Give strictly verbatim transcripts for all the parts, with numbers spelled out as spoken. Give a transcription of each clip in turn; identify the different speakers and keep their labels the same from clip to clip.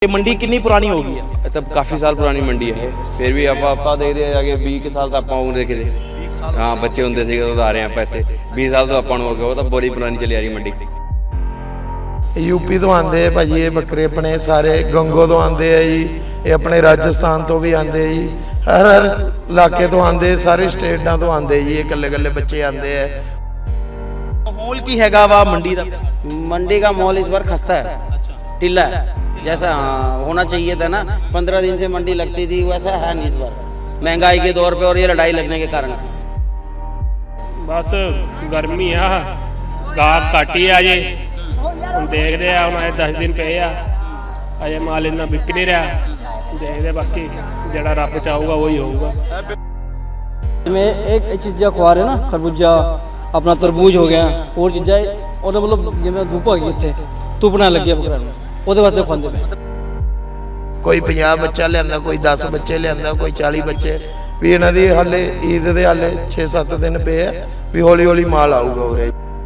Speaker 1: ये मंडी कितनी पुरानी होगी है?
Speaker 2: तब काफ़ी साल पुरानी मंडी है फिर भी आप आप देखते हैं आगे बीस के साल तो आप देखे थे हाँ बच्चे होंगे थे तो आ रहे हैं आप इतने बीस साल तो आप हो गए वो तो बड़ी पुरानी चली आ रही मंडी।
Speaker 3: यूपी तो आते हैं भाजी ये बकरे अपने सारे गंगो तो आते हैं जी, ये अपने राजस्थान तो भी आते हैं जी, हर हर इलाके तो आते सारे स्टेटा तो आते जी, ये कल्ले कल्ले बच्चे आते हैं।
Speaker 1: माहौल की हैगा वा मंडी का?
Speaker 4: मंडी का माहौल इस बार खस्ता है, टिल्ला है जैसा हाँ होना चाहिए था ना। पंद्रह दिन से मंडी लगती थी वैसा है नहीं इस बार, महंगाई के दौर पे और ये लड़ाई लगने के कारण।
Speaker 5: बस गर्मी आ गाहक घट ही अजे हम देखते हैं हम अजे दस दिन पे आ अजे माल इन्ना बिक नहीं रहा, देखते बाकी जड़ा रब चाहूगा वही होगा।
Speaker 6: में एक एक चीज़ा खुआ रहे ना खरबूजा अपना तरबूज हो गया और चीज़ा और मतलब जिम्मे धूप आ गई इतने धुप ना लगे बकरा ਉਹਦੇ ਵਾਸਤੇ ਖਾਂਦੇ ਪਏ।
Speaker 3: ਕੋਈ ਪੰਜਾਹ ਬੱਚਾ ਲਿਆਂਦਾ, ਕੋਈ ਦਸ ਬੱਚੇ ਲਿਆਂਦਾ, ਕੋਈ ਚਾਲੀ ਬੱਚੇ ਵੀ ਇਹਨਾਂ ਦੀ ਹਾਲੇ ਈਦ ਦੇ ਹਾਲੇ ਛੇ ਸੱਤ ਦਿਨ ਪਏ ਆ ਵੀ ਹੌਲੀ ਹੌਲੀ ਮਾਲ ਆਊਗਾ ਉਰੇ।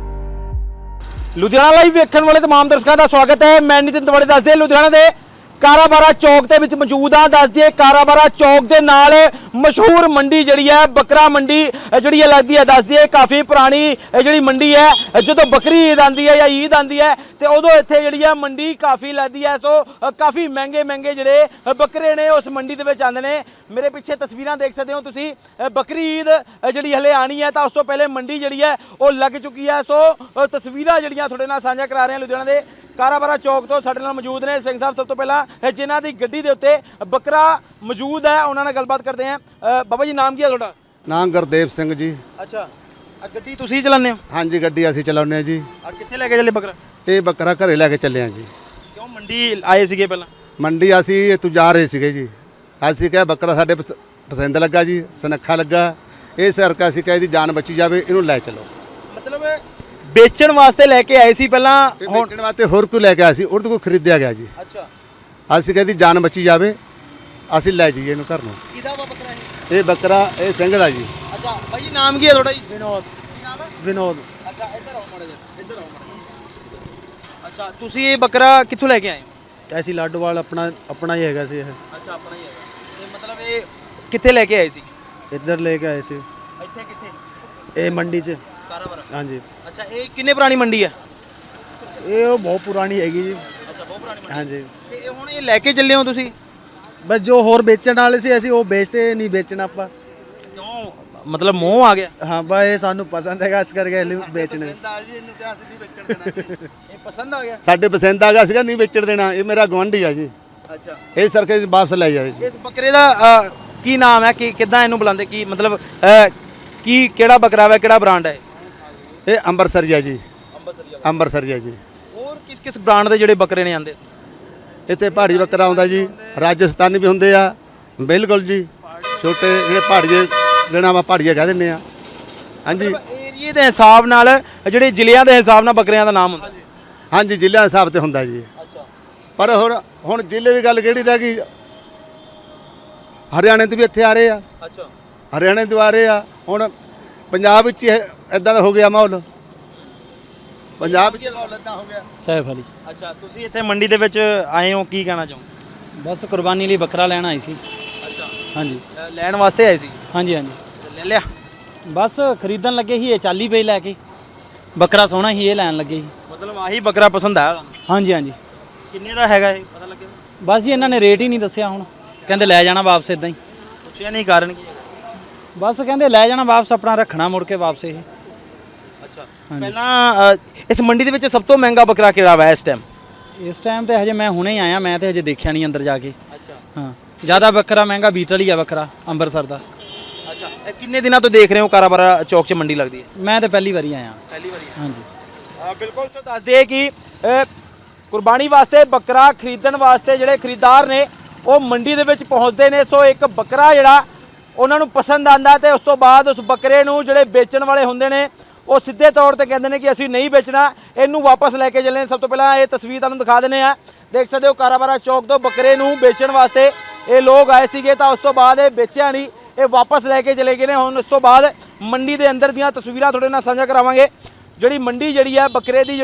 Speaker 1: ਲੁਧਿਆਣਾ ਲਾਈਵ ਵੇਖਣ ਵਾਲੇ तमाम ਦਰਸ਼ਕਾਂ ਦਾ ਸਵਾਗਤ ਹੈ। ਮੈਂ ਨਿਤਿਨ ਤਵੜੇ ਦੱਸਦੇ ਲੁਧਿਆਣਾ ਦੇ ਕਾਰਾਬਾਰਾ ਚੌਕ ਦੇ ਵਿੱਚ ਮੌਜੂਦ ਆ। ਦੱਸ ਦਈਏ ਕਾਰਾਬਾਰਾ ਚੌਕ ਦੇ ਨਾਲ ਮਸ਼ਹੂਰ ਮੰਡੀ ਜਿਹੜੀ ਹੈ ਬੱਕਰਾ ਮੰਡੀ ਜਿਹੜੀ ਹੈ ਲੱਗਦੀ ਹੈ। ਦੱਸ ਦਈਏ ਕਾਫੀ ਪੁਰਾਣੀ ਜਿਹੜੀ ਮੰਡੀ ਹੈ, ਜਦੋਂ ਬੱਕਰੀ ਈਦ ਆਉਂਦੀ ਹੈ ਜਾਂ ਈਦ ਆਉਂਦੀ ਹੈ ਤੇ ਉਦੋਂ ਇੱਥੇ ਜਿਹੜੀ ਹੈ ਮੰਡੀ ਕਾਫੀ ਲੱਗਦੀ ਹੈ। ਸੋ ਕਾਫੀ ਮਹਿੰਗੇ ਮਹਿੰਗੇ ਜਿਹੜੇ ਬੱਕਰੇ ਨੇ ਉਸ ਮੰਡੀ ਦੇ ਵਿੱਚ ਆਉਂਦੇ ਨੇ। ਮੇਰੇ ਪਿੱਛੇ ਤਸਵੀਰਾਂ ਦੇਖ ਸਕਦੇ ਹੋ ਤੁਸੀਂ, ਬੱਕਰੀ ਈਦ ਜਿਹੜੀ ਹਲੇ ਆਣੀ ਹੈ ਤਾਂ ਉਸ ਤੋਂ ਪਹਿਲੇ ਮੰਡੀ ਜਿਹੜੀ ਹੈ ਉਹ ਲੱਗ ਚੁੱਕੀ ਹੈ। ਸੋ ਤਸਵੀਰਾਂ ਜਿਹੜੀਆਂ ਤੁਹਾਡੇ ਨਾਲ ਸਾਂਝਾ ਕਰਾ ਰਹੇ ਹਾਂ ਲੁਧਿਆਣਾ ਦੇ ਕਾਰਾਬਾਰਾ ਚੌਕ ਤੋਂ। ਸਾਡੇ ਨਾਲ ਮੌਜੂਦ ਨੇ ਸਿੰਘ ਸਾਹਿਬ। ਸਭ ਤੋਂ ਪਹਿਲਾਂ ਜਿਨ੍ਹਾਂ ਦੀ ਗੱਡੀ ਦੇ ਉੱਤੇ ਬੱਕਰਾ ਮੌਜੂਦ ਹੈ ਉਹਨਾਂ ਨਾਲ ਗੱਲਬਾਤ ਕਰਦੇ ਹਾਂ। ਬਾਬਾ ਜੀ ਨਾਮ ਕੀ ਹੈ ਤੁਹਾਡਾ?
Speaker 7: ਨਾਮ ਗੁਰਦੇਵ ਸਿੰਘ ਜੀ।
Speaker 1: ਅੱਛਾ, ਆ ਗੱਡੀ ਤੁਸੀਂ ਚਲਾਉਂਦੇ ਹੋ?
Speaker 7: ਹਾਂਜੀ ਗੱਡੀ ਅਸੀਂ ਚਲਾਉਂਦੇ ਹਾਂ ਜੀ।
Speaker 1: ਆ ਕਿੱਥੇ ਲੈ ਕੇ ਚੱਲੇ ਬੱਕਰਾ?
Speaker 7: ਇਹ ਬੱਕਰਾ ਘਰੇ ਲੈ ਕੇ ਚੱਲੇ ਹਾਂ ਜੀ।
Speaker 1: ਕਿਉਂ ਮੰਡੀ ਆਏ ਸੀਗੇ ਪਹਿਲਾਂ?
Speaker 7: ਮੰਡੀ ਅਸੀਂ ਇੱਥੋਂ ਜਾ ਰਹੇ ਸੀਗੇ ਜੀ, ਅਸੀਂ ਕਿਹਾ ਬੱਕਰਾ ਸਾਡੇ ਪਸ- ਪਸੰਦ ਲੱਗਾ ਜੀ, ਸੁਨੱਖਾ ਲੱਗਾ, ਇਸ ਕਰਕੇ ਅਸੀਂ ਕਿਹਾ ਇਹਦੀ ਜਾਨ ਬਚੀ ਜਾਵੇ, ਇਹਨੂੰ ਲੈ ਚਲੋ।
Speaker 1: ਮਤਲਬ ਵੇਚਣ ਵਾਸਤੇ ਲੈ ਕੇ ਆਏ ਸੀ ਪਹਿਲਾਂ?
Speaker 7: ਇਹ ਵੇਚਣ ਵਾਸਤੇ ਹੋਰ ਕੋਈ ਲੈ ਕੇ ਆਇਆ ਸੀ, ਉਹਦੇ ਕੋਲ ਖਰੀਦਿਆ ਗਿਆ ਜੀ।
Speaker 1: ਅੱਛਾ,
Speaker 7: ਅਸੀਂ ਕਿਹਾ ਇਹਦੀ ਜਾਨ ਬਚੀ ਜਾਵੇ, ਅਸੀਂ ਲੈ ਜਾਈਏ ਇਹਨੂੰ ਘਰ ਨੂੰ।
Speaker 1: ਕਿਹਦਾ ਵਾ ਬੱਕਰਾ ਇਹ?
Speaker 7: ਇਹ ਬੱਕਰਾ ਇਹ ਸਿੰਘ ਦਾ ਜੀ।
Speaker 1: ਅੱਛਾ ਭਾਈ ਜੀ ਨਾਮ ਕੀ ਹੈ ਤੁਹਾਡਾ ਜੀ?
Speaker 6: ਵਿਨੋਦ
Speaker 1: ਕੀ ਨਾਮ ਹੈ?
Speaker 6: ਵਿਨੋਦ
Speaker 1: ਅੱਛਾ ਇੱਧਰ ਆਓ ਮਾੜਾ ਜਿਹਾ, ਇੱਧਰ ਆਓ ਮਾੜਾ ਜਿਹਾ। ਅੱਛਾ ਤੁਸੀਂ ਇਹ ਬੱਕਰਾ ਕਿੱਥੋਂ ਲੈ ਕੇ ਆਏ ਹੋ?
Speaker 6: ਐਸੀ ਲਾਡੋਵਾਲ ਆਪਣਾ ਆਪਣਾ ਹੀ ਹੈਗਾ ਸੀ ਇਹ,
Speaker 1: ਅੱਛਾ ਆਪਣਾ ਹੀ ਹੈਗਾ। ਇਹ ਮਤਲਬ ਇਹ ਕਿੱਥੇ ਲੈ ਕੇ ਆਏ ਸੀ?
Speaker 6: ਇੱਧਰ ਲੈ ਕੇ ਆਏ ਸੀ
Speaker 1: ਇੱਥੇ ਕਿੱਥੇ?
Speaker 6: ਇਹ ਮੰਡੀ 'ਚ।
Speaker 1: ਕਾਰਾਬਾਰਾ।
Speaker 6: ਹਾਂਜੀ
Speaker 1: ਅੱਛਾ ਇਹ ਕਿੰਨੇ ਪੁਰਾਣੀ ਮੰਡੀ ਹੈ?
Speaker 6: ਇਹ ਉਹ ਬਹੁਤ ਪੁਰਾਣੀ ਹੈਗੀ ਜੀ।
Speaker 1: ਅੱਛਾ ਬਹੁਤ ਪੁਰਾਣੀ ਮੰਡੀ।
Speaker 6: ਹਾਂਜੀ
Speaker 1: ਤੇ ਇਹ ਹੁਣ ਇਹ ਲੈ ਕੇ ਚੱਲੇ ਹੋ ਤੁਸੀਂ?
Speaker 6: ਬਸ ਜੋ ਹੋਰ ਵੇਚਣ ਵਾਲੇ ਸੀ ਅਸੀਂ ਉਹ ਵੇਚਦੇ ਨਹੀਂ, ਵੇਚਣਾ ਆਪਾਂ।
Speaker 1: ਕਿਉਂ ਮਤਲਬ ਮੋਹ ਆ ਗਿਆ?
Speaker 6: ਹਾਂ ਬਸ ਇਹ ਸਾਨੂੰ ਪਸੰਦ ਹੈਗਾ ਇਸ ਕਰਕੇ ਇਹਨੂੰ ਵੇਚਣੇ।
Speaker 1: ਇਹ ਪਸੰਦ ਆ ਗਿਆ?
Speaker 7: ਸਾਡੇ ਪਸੰਦ ਆ ਗਿਆ ਸੀਗਾ, ਨਹੀਂ ਵੇਚਣ ਦੇਣਾ, ਇਹ ਮੇਰਾ ਗੁਆਂਢੀ ਆ ਜੀ,
Speaker 1: ਅੱਛਾ
Speaker 7: ਇਸ ਕਰਕੇ ਵਾਪਸ ਲੈ ਜਾਏ ਜੀ।
Speaker 1: ਇਸ ਬੱਕਰੇ ਦਾ ਅ, ਕੀ ਨਾਮ ਹੈ? ਕਿ ਕਿੱਦਾਂ ਇਹਨੂੰ ਬੁਲਾਉਂਦੇ? ਕੀ ਮਤਲਬ ਅ, ਕੀ ਕਿਹੜਾ ਬੱਕਰਾ ਹੈ, ਕਿਹੜਾ ਬ੍ਰਾਂਡ ਹੈ?
Speaker 7: ਇਹ ਅੰਬਰਸਰੀਆ ਜੀ,
Speaker 1: ਅੰਬਰਸਰੀਆ।
Speaker 7: ਅੰਬਰਸਰੀਆ ਜੀ।
Speaker 1: ਹੋਰ ਕਿਸ ਕਿਸ ਬ੍ਰਾਂਡ ਦੇ ਜਿਹੜੇ ਬੱਕਰੇ ਨੇ ਆਂਦੇ?
Speaker 7: ਇੱਥੇ ਪਹਾੜੀ ਬੱਕਰਾ ਆਉਂਦਾ ਜੀ, ਰਾਜਸਥਾਨੀ ਵੀ ਹੁੰਦੇ ਆ ਬਿਲਕੁਲ ਜੀ, ਛੋਟੇ ਜਿਹੜੇ ਪਹਾੜੀਏ ਜਿਹੜਾ ਆਪਾਂ ਪਹਾੜੀਏ ਕਹਿ ਦਿੰਦੇ ਆ। ਹਾਂਜੀ
Speaker 1: ਏਰੀਏ ਦੇ ਹਿਸਾਬ ਨਾਲ ਜਿਹੜੇ ਜ਼ਿਲ੍ਹਿਆਂ ਦੇ ਹਿਸਾਬ ਨਾਲ ਬੱਕਰਿਆਂ ਦਾ ਨਾਮ ਹੁੰਦਾ?
Speaker 7: ਹਾਂਜੀ ਜ਼ਿਲ੍ਹਿਆਂ ਦੇ ਹਿਸਾਬ ਤੇ ਹੁੰਦਾ ਜੀ।
Speaker 1: ਅੱਛਾ,
Speaker 7: ਪਰ ਹੁਣ ਹੁਣ ਜ਼ਿਲ੍ਹੇ ਦੀ ਗੱਲ ਕਿਹੜੀ ਰਹਿ ਗਈ, ਹਰਿਆਣੇ ਤੋਂ ਵੀ ਇੱਥੇ ਆ ਰਹੇ ਆ,
Speaker 1: ਅੱਛਾ
Speaker 7: ਹਰਿਆਣੇ ਤੋਂ ਆ ਰਹੇ ਆ। ਹੁਣ ਪੰਜਾਬ ਵਿੱਚ ਇਦਾਂ ਦਾ ਹੋ ਗਿਆ ਮਾਹੌਲ, ਪੰਜਾਬ ਵਿੱਚ ਮਾਹੌਲ ਇਦਾਂ ਹੋ ਗਿਆ।
Speaker 6: ਸੈਫ ਅਲੀ।
Speaker 1: ਅੱਛਾ ਤੁਸੀਂ ਇੱਥੇ ਮੰਡੀ ਦੇ ਵਿੱਚ ਆਏ ਹੋ, ਕੀ ਕਹਿਣਾ ਚਾਹੋ?
Speaker 6: ਬਸ ਕੁਰਬਾਨੀ ਲਈ ਬੱਕਰਾ ਲੈਣ ਆਈ ਸੀ।
Speaker 1: ਅੱਛਾ
Speaker 6: ਹਾਂਜੀ
Speaker 1: ਲੈਣ ਵਾਸਤੇ ਆਏ ਸੀ?
Speaker 6: ਹਾਂਜੀ ਹਾਂਜੀ
Speaker 1: ਲੈ ਲਿਆ?
Speaker 6: ਬਸ ਖਰੀਦਣ ਲੱਗੇ ਸੀ, ਇਹ ਚਾਲੀ ਪਈ ਲੈ ਕੇ। ਬੱਕਰਾ ਸੋਹਣਾ ਸੀ, ਇਹ ਲੈਣ ਲੱਗੇ ਸੀ।
Speaker 1: ਮਤਲਬ ਆਹੀ ਬੱਕਰਾ ਪਸੰਦ ਆਇਆ ਤੁਹਾਨੂੰ?
Speaker 6: ਹਾਂਜੀ ਹਾਂਜੀ
Speaker 1: ਕਿੰਨੇ ਦਾ ਹੈਗਾ ਇਹ ਪਤਾ ਲੱਗਿਆ?
Speaker 6: ਬਸ ਜੀ ਇਹਨਾਂ ਨੇ ਰੇਟ ਹੀ ਨਹੀਂ ਦੱਸਿਆ, ਹੁਣ ਕਹਿੰਦੇ ਲੈ ਜਾਣਾ ਵਾਪਸ ਇਦਾਂ ਹੀ।
Speaker 1: ਪੁੱਛਿਆ ਨਹੀਂ ਕਾਰਨ ਕੀ ਹੈਗਾ?
Speaker 6: ਬਸ ਕਹਿੰਦੇ ਲੈ ਜਾਣਾ ਵਾਪਸ, ਆਪਣਾ ਰੱਖਣਾ ਮੁੜ ਕੇ ਵਾਪਸ ਇਹ।
Speaker 1: ਅੱਛਾ ਪਹਿਲਾਂ ਅ, ਇਸ ਮੰਡੀ ਦੇ ਵਿੱਚ ਸਭ ਤੋਂ ਮਹਿੰਗਾ ਬੱਕਰਾ ਕਿਹੜਾ ਵਾ ਇਸ ਟਾਈਮ?
Speaker 6: ਇਸ ਟਾਈਮ ਤੇ ਹਜੇ ਮੈਂ ਹੁਣੇ ਹੀ ਆਇਆ, ਮੈਂ ਤੇ ਹਜੇ ਦੇਖਿਆ ਨਹੀਂ ਅੰਦਰ ਜਾ ਕੇ।
Speaker 1: ਅੱਛਾ
Speaker 6: ਹਾਂ ਜ਼ਿਆਦਾ ਬੱਕਰਾ ਮਹਿੰਗਾ ਬੀਟਲ ਹੀ ਆ ਬੱਕਰਾ ਅੰਮ੍ਰਿਤਸਰ ਦਾ।
Speaker 1: ਅੱਛਾ ਇਹ ਕਿੰਨੇ ਦਿਨਾਂ ਤੋਂ ਦੇਖ ਰਹੇ ਹੋ ਕਾਰਾਬਾਰਾ ਚੌਕ 'ਚ ਮੰਡੀ ਲੱਗਦੀ ਹੈ?
Speaker 6: ਮੈਂ ਤੇ ਪਹਿਲੀ ਵਾਰੀ ਆਇਆ।
Speaker 1: ਪਹਿਲੀ ਵਾਰੀ?
Speaker 6: ਹਾਂਜੀ
Speaker 1: ਬਿਲਕੁਲ ਸੋ ਦੱਸਦੇ ਕਿ ਅ, ਕੁਰਬਾਨੀ ਵਾਸਤੇ ਬੱਕਰਾ ਖਰੀਦਣ ਵਾਸਤੇ ਜਿਹੜੇ ਖਰੀਦਦਾਰ ਨੇ ਉਹ ਮੰਡੀ ਦੇ ਵਿੱਚ ਪਹੁੰਚਦੇ ਨੇ। ਸੋ ਇੱਕ ਬੱਕਰਾ ਜਿਹੜਾ ਉਹਨਾਂ ਨੂੰ ਪਸੰਦ ਆਂਦਾ ਤੇ ਉਸ ਤੋਂ ਬਾਅਦ ਉਸ ਬੱਕਰੇ ਨੂੰ ਜਿਹੜੇ ਵੇਚਣ ਵਾਲੇ ਹੁੰਦੇ ਨੇ ਉਹ ਸਿੱਧੇ ਤੌਰ ਤੇ ਕਹਿੰਦੇ ਨੇ ਕਿ ਅਸੀਂ ਨਹੀਂ ਵੇਚਣਾ, ਇਹਨੂੰ ਵਾਪਸ ਲੈ ਕੇ ਚੱਲੇ। ਸਭ ਤੋਂ ਪਹਿਲਾਂ ਇਹ ਤਸਵੀਰ ਤੁਹਾਨੂੰ ਦਿਖਾ ਦਿੰਦੇ ਆ, ਦੇਖ ਸਕਦੇ ਹੋ ਕਾਰਾਬਾਰਾ ਚੌਕ ਤੋਂ ਬੱਕਰੇ ਨੂੰ ਵੇਚਣ ਵਾਸਤੇ ਇਹ ਲੋਕ ਆਏ ਸੀਗੇ ਤਾਂ ਉਸ ਤੋਂ ਬਾਅਦ ਇਹ ਵੇਚਿਆ ਨਹੀਂ, ਇਹ ਵਾਪਸ ਲੈ ਕੇ ਚਲੇ ਗਏ ਨੇ। ਹੁਣ ਉਸ ਤੋਂ ਬਾਅਦ ਮੰਡੀ ਦੇ ਅੰਦਰ ਦੀਆਂ ਤਸਵੀਰਾਂ ਤੁਹਾਡੇ ਨਾਲ ਸਾਂਝਾ ਕਰਾਵਾਂਗੇ। ਜਿਹੜੀ ਮੰਡੀ ਜਿਹੜੀ ਹੈ ਬੱਕਰੇ ਦੀ ਜਿਹੜੀ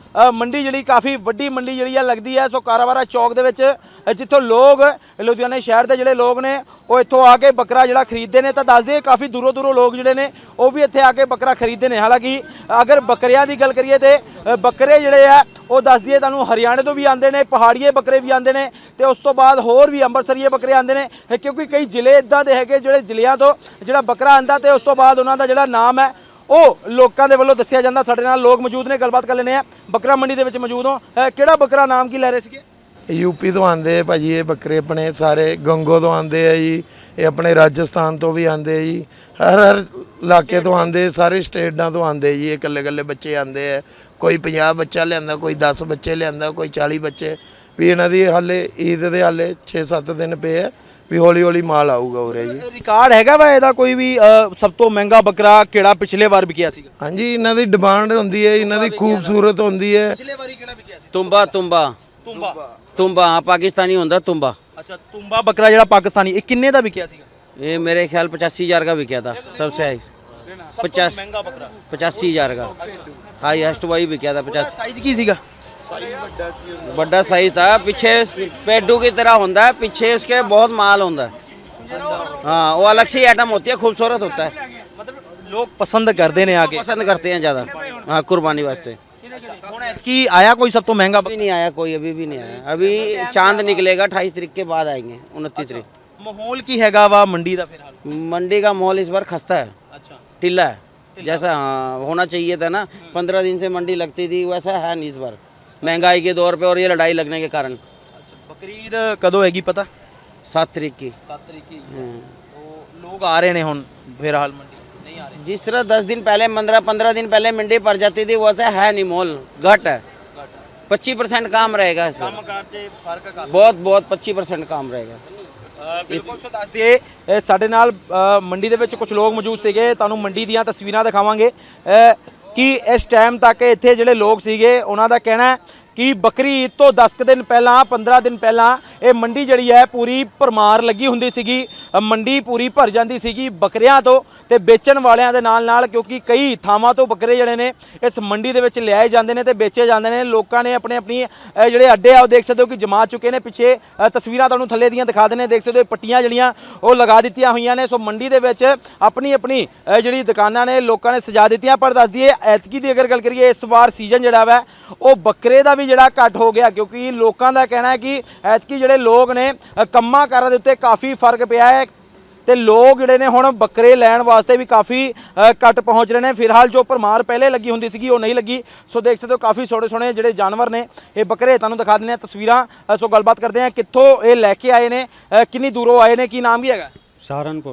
Speaker 1: ਅ, ਮੰਡੀ ਜਿਹੜੀ ਕਾਫੀ ਵੱਡੀ ਮੰਡੀ ਜਿਹੜੀ ਆ ਲੱਗਦੀ ਹੈ। ਸੋ ਕਾਰਾਬਾਰਾ ਚੌਕ ਦੇ ਵਿੱਚ ਅ, ਜਿੱਥੋਂ ਲੋਕ ਲੁਧਿਆਣੇ ਸ਼ਹਿਰ ਦੇ ਜਿਹੜੇ ਲੋਕ ਨੇ ਉਹ ਇੱਥੋਂ ਆ ਕੇ ਬੱਕਰਾ ਜਿਹੜਾ ਖਰੀਦਦੇ ਨੇ। ਤਾਂ ਦੱਸਦੇ ਕਾਫੀ ਦੂਰੋਂ ਦੂਰੋਂ ਲੋਕ ਜਿਹੜੇ ਨੇ ਉਹ ਵੀ ਇੱਥੇ ਆ ਕੇ ਬੱਕਰਾ ਖਰੀਦਦੇ ਨੇ। ਹਾਲਾਂਕਿ ਅਗਰ ਬੱਕਰਿਆਂ ਦੀ ਗੱਲ ਕਰੀਏ ਤੇ ਅ, ਬੱਕਰੇ ਜਿਹੜੇ ਆ ਉਹ ਦੱਸ ਦਈਏ ਤੁਹਾਨੂੰ ਹਰਿਆਣੇ ਤੋਂ ਵੀ ਆਉਂਦੇ ਨੇ, ਪਹਾੜੀਏ ਬੱਕਰੇ ਵੀ ਆਉਂਦੇ ਨੇ ਤੇ ਉਸ ਤੋਂ ਬਾਅਦ ਹੋਰ ਵੀ ਅੰਮ੍ਰਿਤਸਰੀਏ ਬੱਕਰੇ ਆਉਂਦੇ ਨੇ, ਕਿਉਂਕਿ ਕਈ ਜ਼ਿਲ੍ਹੇ ਇਦਾਂ ਦੇ ਹੈਗੇ ਜਿਹੜੇ ਜ਼ਿਲ੍ਹਿਆਂ ਤੋਂ ਜਿਹੜਾ ਬੱਕਰਾ ਆਂਦਾ ਤੇ ਉਸ ਤੋਂ ਬਾਅਦ ਉਹਨਾਂ ਦਾ ਜਿਹੜਾ ਨਾਮ ਹੈ ਉਹ ਲੋਕਾਂ ਦੇ ਵੱਲੋਂ ਦੱਸਿਆ ਜਾਂਦਾ। ਸਾਡੇ ਨਾਲ ਲੋਕ ਮੌਜੂਦ ਨੇ, ਗੱਲਬਾਤ ਕਰ ਲੈਂਦੇ ਆ। ਬੱਕਰਾ ਮੰਡੀ ਦੇ ਵਿੱਚ ਮੌਜੂਦ ਹੋ, ਅ, ਕਿਹੜਾ ਬੱਕਰਾ ਨਾਮ ਕੀ ਲੈ ਰਹੇ ਸੀਗੇ?
Speaker 3: ਯੂਪੀ ਤੋਂ ਆਉਂਦੇ ਆ ਭਾਜੀ ਇਹ ਬੱਕਰੇ, ਆਪਣੇ ਸਾਰੇ ਗੰਗੋ ਤੋਂ ਆਉਂਦੇ ਆ ਜੀ, ਇਹ ਆਪਣੇ ਰਾਜਸਥਾਨ ਤੋਂ ਵੀ ਆਉਂਦੇ ਆ ਜੀ, ਹਰ ਹਰ ਇਲਾਕੇ ਤੋਂ ਆਉਂਦੇ, ਸਾਰੇ ਸਟੇਟਾਂ ਤੋਂ ਆਉਂਦੇ ਜੀ। ਇਹ ਇਕੱਲੇ ਇਕੱਲੇ ਬੱਚੇ ਆਉਂਦੇ ਆ, ਕੋਈ ਪੰਜਾਹ ਬੱਚਾ ਲਿਆਂਦਾ, ਕੋਈ ਦਸ ਬੱਚੇ ਲਿਆਂਦਾ, ਕੋਈ ਚਾਲੀ ਬੱਚੇ ਵੀ। ਇਹਨਾਂ ਦੀ ਹਾਲੇ ਈਦ ਦੇ ਹਾਲੇ ਛੇ ਸੱਤ ਦਿਨ ਪਏ ਆ ਵੀ, ਹੌਲੀ ਹੌਲੀ ਮਾਲ ਆਊਗਾ ਉਰੇ ਜੀ।
Speaker 1: ਰਿਕਾਰਡ ਹੈਗਾ ਵਾ ਇਹਦਾ ਕੋਈ ਵੀ ਅ, ਸਭ ਤੋਂ ਮਹਿੰਗਾ ਬੱਕਰਾ ਕਿਹੜਾ ਪਿਛਲੇ ਵਾਰ ਵਿਕਿਆ ਸੀਗਾ?
Speaker 3: ਹਾਂਜੀ, ਇਹਨਾਂ ਦੀ ਡਿਮਾਂਡ ਹੁੰਦੀ ਹੈ, ਇਹਨਾਂ ਦੀ ਖੂਬਸੂਰਤ ਹੁੰਦੀ ਹੈ।
Speaker 1: ਪਿਛਲੇ ਵਾਰੀ ਕਿਹੜਾ ਵਿਕਿਆ ਸੀ?
Speaker 4: तुम्बा तुम्बा
Speaker 1: ਤੁੰਬਾ।
Speaker 4: तुम्बा हाँ पाकिस्तानी होता तुम्बा।
Speaker 1: ਅੱਛਾ, ਤੁੰਬਾ ਬੱਕਰਾ ਜਿਹੜਾ ਪਾਕਿਸਤਾਨੀ, ਇਹ ਕਿੰਨੇ ਦਾ ਵਿਕਿਆ ਸੀਗਾ?
Speaker 4: ये मेरे ख्याल पचासी हजार का बिका था सबसे हाई, पचास
Speaker 1: ਮਹਿੰਗਾ ਬੱਕਰਾ
Speaker 4: पचासी हजार का हाईएस्ट वही बिका था पचास।
Speaker 1: ਸਾਈਜ਼ ਕੀ ਸੀਗਾ?
Speaker 4: बड़ा साइज था, पीछे पेडू की तरह होता है, पीछे उसके बहुत माल होता है। हाँ वो अलग से आइटम होती है, खूबसूरत होता है,
Speaker 1: ਮਤਲਬ ਲੋਕ ਪਸੰਦ ਕਰਦੇ ਨੇ ਆਗੇ,
Speaker 4: पसंद करते हैं ज़्यादा। हाँ कुर्बानी वास्ते।
Speaker 1: ਹੁਣ ਐਤਕੀ ਆਇਆ ਕੋਈ ਸਭ ਤੋਂ ਮਹਿੰਗਾ
Speaker 4: अभी नहीं आया कोई, अभी भी नहीं आया। अभी चांद निकलेगा अट्ठाईस तारीख के बाद आएंगे, उनतीस तारीख।
Speaker 1: ਮਾਹੌਲ ਕੀ ਹੈਗਾ ਵਾ ਮੰਡੀ ਦਾ ਫਿਰ ਹਾਲ?
Speaker 4: मंडी का माहौल इस बार खस्ता है,
Speaker 1: ਅੱਛਾ,
Speaker 4: टिल्ला है जैसा हाँ होना चाहिए था ना। पंद्रह दिन से मंडी लगती थी, वैसा है नहीं इस बार, महंगाई के दौर पे और ये लड़ाई लगने के कारण।
Speaker 1: ਬਕਰੀਦ ਕਦੋਂ ਹੈਗੀ ਪਤਾ?
Speaker 4: सात तारीख की।
Speaker 1: ਸੱਤ ਤਰੀਕ ਕੀ
Speaker 4: हम्म।
Speaker 1: ਲੋਕ ਆ ਰਹੇ ਨੇ ਹੁਣ ਫਿਰ ਹਾਲ ਮੰਡੀ ਨਹੀਂ ਆ ਰਹੇ?
Speaker 4: जिस तरह दस दिन पहले पंद्रह पंद्रह दिन पहले मंडी पड़ जाती थी, वैसा है नहीं, माहौल घट है। पच्चीस परसेंट काम रहेगा इस बार, बहुत बहुत पच्चीस परसेंट काम रहेगा।
Speaker 1: ਬਿਲਕੁਲ। ਸੋ ਦੱਸ ਦਈਏ ਇਹ ਸਾਡੇ ਨਾਲ ਅ, ਮੰਡੀ ਦੇ ਵਿੱਚ ਕੁਝ ਲੋਕ ਮੌਜੂਦ ਸੀਗੇ, ਤੁਹਾਨੂੰ ਮੰਡੀ ਦੀਆਂ ਤਸਵੀਰਾਂ ਦਿਖਾਵਾਂਗੇ ਅ, ਕਿ ਇਸ ਟਾਈਮ ਤੱਕ ਇੱਥੇ ਜਿਹੜੇ ਲੋਕ ਸੀਗੇ ਉਹਨਾਂ ਦਾ ਕਹਿਣਾ ਹੈ ਕਿ ਬੱਕਰੀ ਈਦ ਤੋਂ ਦਸ ਕੁ ਦਿਨ ਪਹਿਲਾਂ, ਪੰਦਰਾਂ ਦਿਨ ਪਹਿਲਾਂ ਇਹ ਮੰਡੀ ਜਿਹੜੀ ਹੈ ਪੂਰੀ ਭਰਮਾਰ ਲੱਗੀ ਹੁੰਦੀ ਸੀਗੀ। ਅ, ਮੰਡੀ ਪੂਰੀ ਭਰ ਜਾਂਦੀ ਸੀਗੀ ਬੱਕਰਿਆਂ ਤੋਂ ਤੇ ਵੇਚਣ ਵਾਲਿਆਂ ਦੇ ਨਾਲ ਨਾਲ, ਕਿਉਂਕਿ ਕਈ ਥਾਵਾਂ ਤੋਂ ਬੱਕਰੇ ਜਿਹੜੇ ਨੇ ਇਸ ਮੰਡੀ ਦੇ ਵਿੱਚ ਲਿਆਏ ਜਾਂਦੇ ਨੇ ਤੇ ਵੇਚੇ ਜਾਂਦੇ ਨੇ। ਲੋਕਾਂ ਨੇ ਆਪਣੇ ਆਪਣੀ ਅ, ਜਿਹੜੇ ਅੱਡੇ ਆ ਉਹ ਦੇਖ ਸਕਦੇ ਹੋ ਕਿ ਜਮਾ ਚੁੱਕੇ ਨੇ। ਪਿੱਛੇ ਅ, ਤਸਵੀਰਾਂ ਤੁਹਾਨੂੰ ਥੱਲੇ ਦੀਆਂ ਦਿਖਾ ਦਿੰਦੇ, ਦੇਖ ਸਕਦੇ ਹੋ ਪੱਟੀਆਂ ਜਿਹੜੀਆਂ ਉਹ ਲਗਾ ਦਿੱਤੀਆਂ ਹੋਈਆਂ ਨੇ। ਸੋ ਮੰਡੀ ਦੇ ਵਿੱਚ ਆਪਣੀ ਆਪਣੀ ਅ, ਜਿਹੜੀ ਦੁਕਾਨਾਂ ਨੇ ਲੋਕਾਂ ਨੇ ਸਜਾ ਦਿੱਤੀਆਂ। ਪਰ ਦੱਸ ਦਈਏ ਐਤਕੀ ਦੀ ਅਗਰ ਗੱਲ ਕਰੀਏ, ਇਸ ਵਾਰ ਸੀਜ਼ਨ ਜਿਹੜਾ ਵਾ ਉਹ ਬੱਕਰੇ ਦਾ ਵੀ ਜਿਹੜਾ ਘੱਟ ਹੋ ਗਿਆ, ਕਿਉਂਕਿ ਲੋਕਾਂ ਦਾ ਕਹਿਣਾ ਹੈ ਕਿ ਐਤਕੀ ਜਿਹੜੇ ਲੋਕ ਨੇ ਅ, ਕੰਮਾਂ ਕਾਰਾਂ ਦੇ ਉੱਤੇ ਕਾਫੀ ਫਰਕ ਪਿਆ ਹੈ ਤੇ ਲੋਕ ਜਿਹੜੇ ਨੇ ਹੁਣ ਬੱਕਰੇ ਲੈਣ ਵਾਸਤੇ ਵੀ ਕਾਫੀ ਅ, ਘੱਟ ਪਹੁੰਚ ਰਹੇ ਨੇ। ਫਿਲਹਾਲ ਜੋ ਭਰਮਾਰ ਪਹਿਲੇ ਲੱਗੀ ਹੁੰਦੀ ਸੀਗੀ ਉਹ ਨਹੀਂ ਲੱਗੀ। ਸੋ ਦੇਖ ਸਕਦੇ ਹੋ ਕਾਫੀ ਸੋਹਣੇ ਸੋਹਣੇ ਜਿਹੜੇ ਜਾਨਵਰ ਨੇ ਇਹ ਬੱਕਰੇ, ਤੁਹਾਨੂੰ ਦਿਖਾ ਦਿੰਦੇ ਆ ਤਸਵੀਰਾਂ। ਅ, ਸੋ ਗੱਲਬਾਤ ਕਰਦੇ ਆ ਕਿੱਥੋਂ ਇਹ ਲੈ ਕੇ ਆਏ ਨੇ, ਅ, ਕਿੰਨੀ ਦੂਰੋਂ ਆਏ ਨੇ, ਕੀ ਨਾਮ ਕੀ ਹੈਗਾ?
Speaker 6: सहारनपुर।